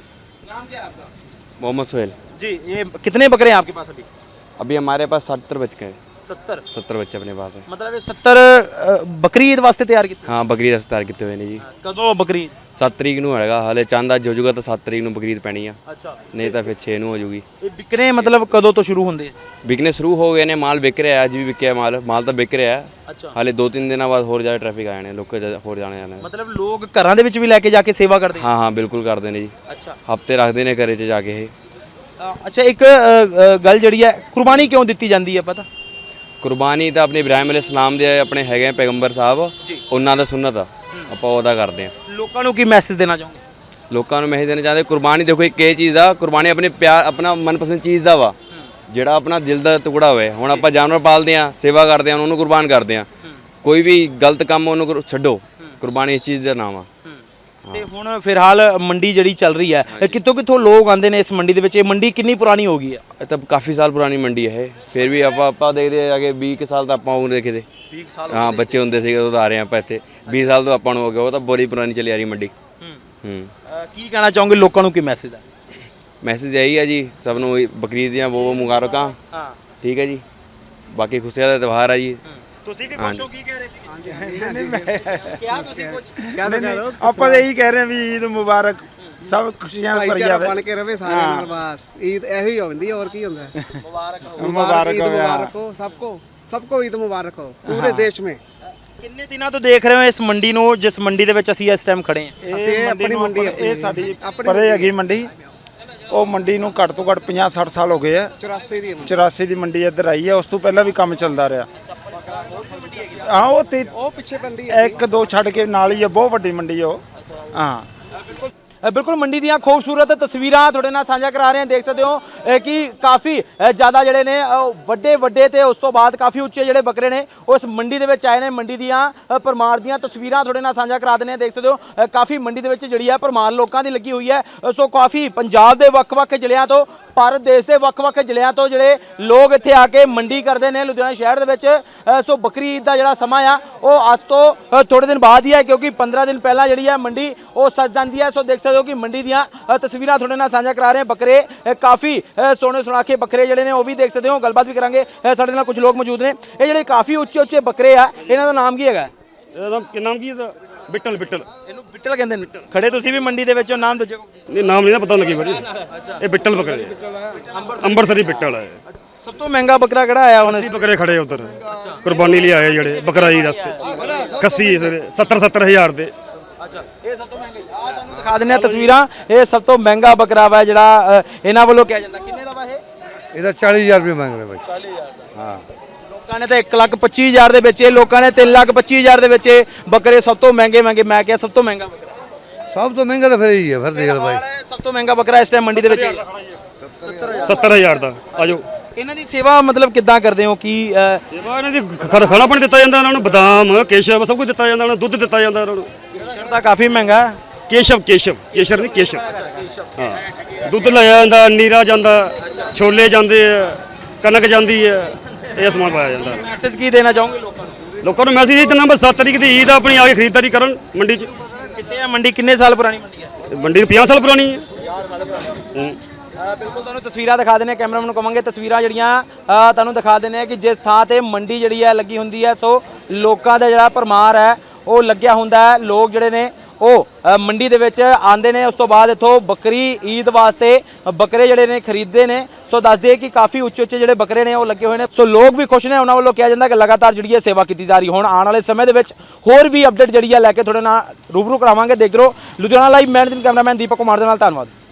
Speaker 1: नाम क्या है आपका?
Speaker 2: मोहम्मद सोहेल
Speaker 1: जी। ये कितने बकरे हैं आपके पास अभी?
Speaker 2: अभी हमारे पास सत्तर बच्चे हैं।
Speaker 1: सत्तर?
Speaker 2: सत्तर बच्चे अपने पास हैं।
Speaker 1: मतलब ये सत्तर बकरी ईद वास्ते तैयार किए?
Speaker 2: हाँ, बकरीद अस्तार किए हुए ने जी।
Speaker 1: कदों बकरी?
Speaker 2: सत्त तरीक ਨੂੰ ਹੋਏਗਾ, ਹਾਲੇ ਚੰਦ ਅੱਜ ਹੋ ਜਾਊਗਾ ਤਾਂ ਸੱਤ ਤਰੀਕ ਨੂੰ ਬਕਰੀਦ ਪੈਣੀ ਆ।
Speaker 1: ਅੱਛਾ,
Speaker 2: ਨਹੀਂ ਤਾਂ ਫਿਰ ਛੇ ਨੂੰ ਹੋ ਜਾਊਗੀ।
Speaker 1: ਇਹ ਵਿਕਨੇ ਮਤਲਬ ਕਦੋਂ ਤੋਂ ਸ਼ੁਰੂ ਹੁੰਦੇ?
Speaker 2: ਵਿਕਨੇ ਸ਼ੁਰੂ ਹੋ ਗਏ ਨੇ, ਮਾਲ ਵਿਕ ਰਿਹਾ, ਅੱਜ ਵੀ ਵਿਕਿਆ ਮਾਲ, ਮਾਲ ਤਾਂ ਵਿਕ ਰਿਹਾ।
Speaker 1: ਅੱਛਾ,
Speaker 2: ਹਾਲੇ ਦੋ ਤਿੰਨ ਦਿਨਾਂ ਬਾਅਦ ਹੋਰ ਜ਼ਿਆਦਾ ਟ੍ਰੈਫਿਕ ਆ ਜਾਣੇ, ਲੋਕ ਹੋਰ ਜਾਣੇ ਜਾਣੇ।
Speaker 1: ਮਤਲਬ ਲੋਕ ਘਰਾਂ ਦੇ ਵਿੱਚ ਵੀ ਲੈ ਕੇ ਜਾ ਕੇ ਸੇਵਾ ਕਰਦੇ?
Speaker 2: ਹਾਂ ਹਾਂ ਬਿਲਕੁਲ ਕਰਦੇ ਨੇ ਜੀ।
Speaker 1: ਅੱਛਾ,
Speaker 2: ਹਫਤੇ ਰੱਖਦੇ ਨੇ ਘਰੇ 'ਚ ਜਾ ਕੇ ਇਹ।
Speaker 1: ਅੱਛਾ, ਇੱਕ ਅ, ਗੱਲ ਜਿਹੜੀ ਹੈ, ਕੁਰਬਾਨੀ ਕਿਉਂ ਦਿੱਤੀ ਜਾਂਦੀ ਹੈ ਪਤਾ?
Speaker 2: ਕੁਰਬਾਨੀ ਤਾਂ ਆਪਣੇ ਇਬਰਾਹਿਮ ਅਲੈਹ ਸਲਾਮ ਦੇ ਆਪਣੇ ਹੈਗੇ ਪੈਗੰਬਰ ਸਾਹਿਬ, ਉਹਨਾਂ ਦਾ ਸੁਨਨਤ ਆ, ਆਪਾਂ ਉਹਦਾ ਕਰਦੇ ਹਾਂ।
Speaker 1: ਲੋਕਾਂ ਨੂੰ ਕੀ ਮੈਸੇਜ ਦੇਣਾ ਚਾਹੋਗੇ?
Speaker 2: ਲੋਕਾਂ ਨੂੰ ਮੈਸੇਜ ਦੇਣਾ ਚਾਹੁੰਦੇ, ਕੁਰਬਾਨੀ ਦੇਖੋ ਇੱਕ ਇਹ ਚੀਜ਼ ਆ, ਕੁਰਬਾਨੀ ਆਪਣੇ ਪਿਆਰ ਆਪਣਾ ਮਨਪਸੰਦ ਚੀਜ਼ ਦਾ ਵਾ, ਜਿਹੜਾ ਆਪਣਾ ਦਿਲ ਦਾ ਟੁਕੜਾ ਹੋਵੇ। ਹੁਣ ਆਪਾਂ ਜਾਨਵਰ ਪਾਲਦੇ ਆ, ਸੇਵਾ ਕਰਦੇ ਆ, ਉਹਨੂੰ ਕੁਰਬਾਨ ਕਰਦੇ ਆ, ਕੋਈ ਵੀ ਗਲਤ ਕੰਮ ਉਹਨੂੰ ਕਰੋ- ਛੱਡੋ। ਕੁਰਬਾਨੀ ਇਸ ਚੀਜ਼ ਦਾ ਨਾਮ ਆ।
Speaker 1: ਤੇ ਹੁਣ ਫਿਲਹਾਲ ਮੰਡੀ ਜਿਹੜੀ ਚੱਲ ਰਹੀ ਹੈ, ਕਿੱਥੋਂ ਕਿੱਥੋਂ ਲੋਕ ਆਉਂਦੇ ਨੇ ਇਸ ਮੰਡੀ ਦੇ ਵਿੱਚ? ਇਹ ਮੰਡੀ ਕਿੰਨੀ ਪੁਰਾਣੀ ਹੋ ਗਈ ਹੈ?
Speaker 2: ਇਹ ਤਾਂ ਕਾਫੀ ਸਾਲ ਪੁਰਾਣੀ ਮੰਡੀ ਹੈ ਇਹ, ਫਿਰ ਵੀ ਆਪਾਂ ਆਪਾਂ ਦੇਖਦੇ ਆ ਕਿ ਵੀਹ ਕੁ ਸਾਲ ਤਾਂ ਆਪਾਂ ਉਹ ਦੇਖਦੇ
Speaker 1: ਵੀਹ ਸਾਲ
Speaker 2: ਹਾਂ, ਬੱਚੇ ਹੁੰਦੇ ਸੀਗੇ ਉਦੋਂ ਆ ਰਹੇ ਆਪਾਂ ਇੱਥੇ, ਵੀਹ ਸਾਲ ਤੋਂ ਆਪਾਂ ਨੂੰ ਹੋ ਗਿਆ, ਉਹ ਤਾਂ ਬੜੀ ਪੁਰਾਣੀ ਚੱਲੀ ਆ ਰਹੀ ਮੰਡੀ। ਹੂੰ,
Speaker 1: ਕੀ ਕਹਿਣਾ ਚਾਹੋਗੇ ਲੋਕਾਂ ਨੂੰ, ਕੀ ਮੈਸੇਜ ਹੈ?
Speaker 2: ਮੈਸੇਜ ਇਹੀ ਆ ਜੀ, ਸਭ ਨੂੰ ਬਕਰੀਦ ਦੀਆਂ ਬਹੁਤ ਬਹੁਤ ਮੁਬਾਰਕਾਂ।
Speaker 1: ਹਾਂ,
Speaker 2: ਠੀਕ ਹੈ ਜੀ, ਬਾਕੀ ਖੁਸ਼ੀਆਂ ਦਾ ਤਿਉਹਾਰ ਆ ਜੀ।
Speaker 1: ਤੁਸੀਂ ਵੀ ਪੁੱਛੋ ਕੀ ਕਹਿ ਰਹੇ ਸੀ? ਕਿਹਾ ਤੁਸੀਂ ਕੁਝ?
Speaker 3: ਆਪਾਂ ਤਾਂ ਇਹੀ ਕਹਿ ਰਹੇ ਹਾਂ ਵੀ ਈਦ ਮੁਬਾਰਕ ਸਭ ਖੁਸ਼ੀਆਂ ਭਰੀ
Speaker 9: ਭਾਈਚਾਰਾ
Speaker 3: ਜਾਵੇ
Speaker 9: ਬਣ ਕੇ ਰਵੇ ਸਾਰਿਆਂ ਨਾਲ ਬਸ ਈਦ ਇਹੋ ਹੀ ਹੁੰਦੀ ਹੈ ਹੋਰ ਕੀ ਹੁੰਦਾ ਹੈ
Speaker 3: ਮੁਬਾਰਕ
Speaker 9: ईद
Speaker 3: हो यार।
Speaker 9: मुबारक हो सबको सबको ईद मुबारक हो पूरे देश में
Speaker 1: ਕਿੰਨੇ ਦਿਨਾਂ ਤੋਂ ਦੇਖ ਰਹੇ ਹੋ ਇਸ ਮੰਡੀ ਨੂੰ, ਜਿਸ ਮੰਡੀ ਦੇ ਵਿੱਚ ਅਸੀਂ ਇਸ ਟਾਈਮ ਖੜੇ ਹਾਂ?
Speaker 9: ਅਸੀਂ ਇਹ ਆਪਣੀ ਮੰਡੀ ਆਪਣੀ
Speaker 3: ਇਹ ਸਾਡੀ
Speaker 9: ਆਪਣੀ
Speaker 3: ਪਰੇ
Speaker 9: ਮੰਡੀ
Speaker 3: ਹੈਗੀ ਮੰਡੀ। ਉਹ ਮੰਡੀ ਨੂੰ ਘੱਟ ਤੋਂ ਘੱਟ ਪੰਜਾਹ ਸੱਠ ਸਾਲ ਹੋ ਗਏ ਆ।
Speaker 9: ਚੁਰਾਸੀ ਦੀ ਮੰਡੀ।
Speaker 3: ਚੁਰਾਸੀ ਦੀ ਮੰਡੀ ਇੱਧਰ ਆਈ ਹੈ, ਉਸ ਤੋਂ ਪਹਿਲਾਂ ਵੀ ਕੰਮ ਚੱਲਦਾ ਰਿਹਾ। ਹਾਂ ਉਹ ਤੇ
Speaker 9: ਉਹ ਪਿੱਛੇ ਮੰਡੀ ਹੈ
Speaker 3: ਇੱਕ ਦੋ ਛੱਡ ਕੇ ਨਾਲ ਹੀ ਹੈ, ਬਹੁਤ ਵੱਡੀ ਮੰਡੀ ਹੈ ਉਹ। ਹਾਂ
Speaker 1: ਅ, ਬਿਲਕੁਲ ਮੰਡੀ ਦੀਆਂ ਖੂਬਸੂਰਤ ਤਸਵੀਰਾਂ ਤੁਹਾਡੇ ਨਾਲ ਸਾਂਝਾ ਕਰਾ ਰਹੇ ਹਾਂ। ਦੇਖ ਸਕਦੇ ਹੋ ਅ, ਕਿ ਕਾਫੀ ਅ, ਜ਼ਿਆਦਾ ਜਿਹੜੇ ਨੇ ਅ, ਵੱਡੇ ਵੱਡੇ ਤੇ ਉਸ ਤੋਂ ਬਾਅਦ ਕਾਫੀ ਉੱਚੇ ਜਿਹੜੇ ਬੱਕਰੇ ਨੇ ਉਹ ਇਸ ਮੰਡੀ ਦੇ ਵਿੱਚ ਆਏ ਨੇ। ਮੰਡੀ ਦੀਆਂ ਅ, ਪਰਮਾਰ ਦੀਆਂ ਤਸਵੀਰਾਂ ਤੁਹਾਡੇ ਨਾਲ ਸਾਂਝਾ ਕਰਾ ਦਿੰਦੇ ਹਾਂ। ਦੇਖ ਸਕਦੇ ਹੋ ਅ, ਕਾਫੀ ਮੰਡੀ ਦੇ ਵਿੱਚ ਜਿਹੜੀ ਹੈ ਪਰਮਾਰ ਲੋਕਾਂ ਦੀ ਲੱਗੀ ਹੋਈ ਹੈ। ਅ, ਸੋ ਕਾਫੀ ਪੰਜਾਬ ਦੇ ਵੱਖ-ਵੱਖ ਜ਼ਿਲ੍ਹਿਆਂ ਤੋਂ, ਭਾਰਤ ਦੇਸ਼ ਦੇ ਵੱਖ-ਵੱਖ ਜ਼ਿਲ੍ਹਿਆਂ ਤੋਂ ਜਿਹੜੇ ਲੋਕ ਇੱਥੇ ਆ ਕੇ ਮੰਡੀ ਕਰਦੇ ਨੇ ਲੁਧਿਆਣਾ ਸ਼ਹਿਰ ਦੇ ਵਿੱਚ। ਅ, ਸੋ ਬੱਕਰੀ ਈਦ ਦਾ ਜਿਹੜਾ ਸਮਾਂ ਆ ਉਹ ਅੱਜ ਤੋਂ ਅ, ਥੋੜੇ ਦਿਨ ਬਾਅਦ ਹੀ ਹੈ, ਕਿਉਂਕਿ ਪੰਦਰਾਂ ਦਿਨ ਪਹਿਲਾਂ ਜਿਹੜੀ ਹੈ ਮੰਡੀ ਉਹ ਸੱਜ ਜਾਂਦੀ ਹੈ। ਸੋ ਦੇਖ ਸਕਦੇ ਹੋ ਕਿ ਮੰਡੀ ਦੀਆਂ ਅ, ਤਸਵੀਰਾਂ ਤੁਹਾਡੇ ਨਾਲ ਸਾਂਝਾ ਕਰਾ ਰਹੇ ਹਾਂ। ਬੱਕਰੇ ਅ, ਕਾਫੀ ਅ, ਸੋਹਣੇ ਸੁਣਾਖੇ ਬੱਕਰੇ ਜਿਹੜੇ ਨੇ ਉਹ ਵੀ ਦੇਖ ਸਕਦੇ ਹੋ। ਗੱਲਬਾਤ ਵੀ ਕਰਾਂਗੇ। ਅ, ਸਾਡੇ ਨਾਲ ਕੁਝ ਲੋਕ ਮੌਜੂਦ ਨੇ। ਇਹ ਜਿਹੜੇ ਕਾਫੀ ਉੱਚੇ ਉੱਚੇ ਬੱਕਰੇ ਆ, ਇਹਨਾਂ ਦਾ ਨਾਮ ਕੀ ਹੈਗਾ?
Speaker 5: ਇਹਦਾ ਨਾਮ ਕੀ ਨਾਮ ਕੀ ਇਹਦਾ ਬਿੱਟਲ ਬਿੱਟਲ
Speaker 1: ਇਹਨੂੰ ਬਿੱਟਲ ਕਹਿੰਦੇ ਨੇ। ਖੜੇ ਤੁਸੀਂ ਵੀ ਮੰਡੀ ਦੇ ਵਿੱਚ ਹੋ, ਨਾਮ ਦੱਸੋ।
Speaker 5: ਨਹੀਂ ਨਾਮ ਨਹੀਂ ਨਾ ਪਤਾ ਲੱਗੀ ਬੜੀ ਇਹ ਬਿੱਟਲ ਬੱਕਰੇ ਅੰਮ੍ਰਿਤਸਰੀ ਬਿੱਟਲ ਹੈ
Speaker 1: ਸਭ ਤੋਂ ਮਹਿੰਗਾ ਬੱਕਰਾ ਕਿਹੜਾ ਆਇਆ ਹੁਣ?
Speaker 5: ਅਸੀਂ ਬੱਕਰੇ ਖੜੇ ਉਧਰ ਕੁਰਬਾਨੀ ਲਈ ਆਏ ਜਿਹੜੇ ਬੱਕਰਾ ਈਦ ਵਾਸਤੇ ਕੱਸੀ ਸੱਤਰ ਸੱਤਰ ਹਜ਼ਾਰ ਦੇ
Speaker 1: ਅੱਛਾ ਇਹ ਸਭ ਤੋਂ ਮਹਿੰਗਾ ਆ। ਤੁਹਾਨੂੰ ਦਿਖਾ ਦਿੰਦੇ ਆ ਤਸਵੀਰਾਂ। ਇਹ ਸਭ ਤੋਂ ਮਹਿੰਗਾ ਬੱਕਰਾ ਵਾ ਜਿਹੜਾ ਅ, ਇਹਨਾਂ ਵੱਲੋਂ ਕਿਹਾ ਜਾਂਦਾ। ਕਿੰਨੇ ਦਾ ਵਾ ਇਹ?
Speaker 7: ਇਹਦਾ ਚਾਲੀ ਹਜ਼ਾਰ ਰੁਪਏ ਮੰਗ ਰਹੇ ਬਾਈ।
Speaker 1: ਚਾਲੀ ਹਜ਼ਾਰ ਦਾ। ਹਾਂ ਲੋਕਾਂ ਨੇ ਤਾਂ ਇੱਕ ਲੱਖ ਪੱਚੀ ਹਜ਼ਾਰ ਦੇ ਵੇਚੇ, ਲੋਕਾਂ ਨੇ ਤਿੰਨ ਲੱਖ ਪੱਚੀ ਹਜ਼ਾਰ ਦੇ ਵੇਚੇ ਬੱਕਰੇ। ਸਭ ਤੋਂ ਮਹਿੰਗੇ ਮਹਿੰਗੇ ਮੈਂ ਕਿਹਾ ਸਭ ਤੋਂ ਮਹਿੰਗਾ ਬੱਕਰਾ
Speaker 7: ਸਭ ਤੋਂ ਮਹਿੰਗਾ ਤਾਂ ਫਿਰ ਇਹੀ ਹੈ ਫਿਰ ਦੇਖ ਲਓ ਬਾਈ।
Speaker 1: ਸਭ ਤੋਂ ਮਹਿੰਗਾ ਬੱਕਰਾ ਇਸ ਟਾਈਮ ਮੰਡੀ ਦੇ ਵਿੱਚ
Speaker 5: ਸੱਤਰ ਹਜ਼ਾਰ ਦਾ ਆਜੋ।
Speaker 1: ਇਹਨਾਂ ਦੀ ਸੇਵਾ ਮਤਲਬ ਕਿੱਦਾਂ ਕਰਦੇ ਹੋ? ਕੀ ਅ,
Speaker 5: ਸੇਵਾ ਇਹਨਾਂ ਦੀ ਖ- ਖਾਣਾ ਪਾਣੀ ਦਿੱਤਾ ਜਾਂਦਾ, ਇਹਨਾਂ ਨੂੰ ਬਦਾਮ ਕੇਸ਼ਵ ਸਭ ਕੁਝ ਦਿੱਤਾ ਜਾਂਦਾ, ਇਹਨਾਂ ਨੂੰ ਦੁੱਧ ਦਿੱਤਾ ਜਾਂਦਾ ਇਹਨਾਂ ਨੂੰ।
Speaker 1: ਕੇਸ਼ਰ ਤਾਂ ਕਾਫੀ ਮਹਿੰਗਾ ਹੈ।
Speaker 5: ਕੇਸ਼ਵ ਕੇਸ਼ਵ ਕੇਸ਼ਰ ਨਹੀਂ ਕੇਸ਼ਵ ਹਾਂ ਦੁੱਧ ਲਾਇਆ ਜਾਂਦਾ, ਨੀਰਾ ਜਾਂਦਾ, ਛੋਲੇ ਜਾਂਦੇ ਆ, ਕਣਕ ਜਾਂਦੀ ਹੈ, ਇਹ ਸਮਾਨ ਪਾਇਆ ਜਾਂਦਾ।
Speaker 1: ਮੈਸੇਜ ਕੀ ਦੇਣਾ ਚਾਹੋਗੇ ਲੋਕਾਂ ਨੂੰ?
Speaker 5: ਲੋਕਾਂ ਨੂੰ ਮੈਸੇਜ ਇਹ ਦਿੰਦਾ ਬਸ ਸੱਤ ਤਰੀਕ ਦੀ ਈਦ ਆ, ਆਪਣੀ ਆ ਕੇ ਖਰੀਦਦਾਰੀ ਕਰਨ ਮੰਡੀ 'ਚ।
Speaker 1: ਕਿੱਥੇ ਆ ਮੰਡੀ? ਕਿੰਨੇ ਸਾਲ ਪੁਰਾਣੀ ਮੰਡੀ ਹੈ?
Speaker 5: ਮੰਡੀ ਪੰਜਾਹ ਸਾਲ ਪੁਰਾਣੀ ਹੈ। ਹੂੰ।
Speaker 1: ਅ, ਬਿਲਕੁਲ ਤੁਹਾਨੂੰ ਤਸਵੀਰਾਂ ਦਿਖਾ ਦਿੰਦੇ ਹਾਂ। ਕੈਮਰਾਮੈਨ ਨੂੰ ਕਵਾਂਗੇ ਤਸਵੀਰਾਂ ਜਿਹੜੀਆਂ ਅ, ਤੁਹਾਨੂੰ ਦਿਖਾ ਦਿੰਦੇ ਹਾਂ ਕਿ ਜਿਸ ਥਾਂ ਤੇ ਮੰਡੀ ਜਿਹੜੀ ਹੈ ਲੱਗੀ ਹੁੰਦੀ ਹੈ, ਸੋ ਲੋਕਾਂ ਦਾ ਜਿਹੜਾ ਭਰਮਾਰ ਹੈ ਉਹ ਲੱਗਿਆ ਹੁੰਦਾ ਹੈ। ਲੋਕ ਜਿਹੜੇ ਨੇ ਉਹ ਅ, ਮੰਡੀ ਦੇ ਵਿੱਚ ਆਉਂਦੇ ਨੇ, ਉਸ ਤੋਂ ਬਾਅਦ ਇੱਥੋਂ ਬੱਕਰੀ ਈਦ ਵਾਸਤੇ ਬੱਕਰੇ ਜਿਹੜੇ ਨੇ ਖਰੀਦਦੇ ਨੇ। ਸੋ ਦੱਸਦੇ ਕਿ ਕਾਫੀ ਉੱਚੇ ਉੱਚੇ ਜਿਹੜੇ ਬੱਕਰੇ ਨੇ ਉਹ ਲੱਗੇ ਹੋਏ ਨੇ। ਸੋ ਲੋਕ ਵੀ ਖੁਸ਼ ਨੇ। ਉਹਨਾਂ ਵੱਲੋਂ ਕਿਹਾ ਜਾਂਦਾ ਕਿ ਲਗਾਤਾਰ ਜਿਹੜੀ ਹੈ ਸੇਵਾ ਕੀਤੀ ਜਾ ਰਹੀ। ਹੁਣ ਆਉਣ ਵਾਲੇ ਸਮੇਂ ਦੇ ਵਿੱਚ ਹੋਰ ਵੀ ਅਪਡੇਟ ਜਿਹੜੀ ਹੈ ਲੈ ਕੇ ਤੁਹਾਡੇ ਨਾਲ ਰੂਬਰੂ ਕਰਾਵਾਂਗੇ। ਦੇਖ ਰਹੋ ਲੁਧਿਆਣਾ ਲਾਈਵ। ਮੈਂ ਕੈਮਰਾਮੈਨ ਦੀਪਕ ਕੁਮਾਰ ਦੇ ਨਾਲ। ਧੰਨਵਾਦ।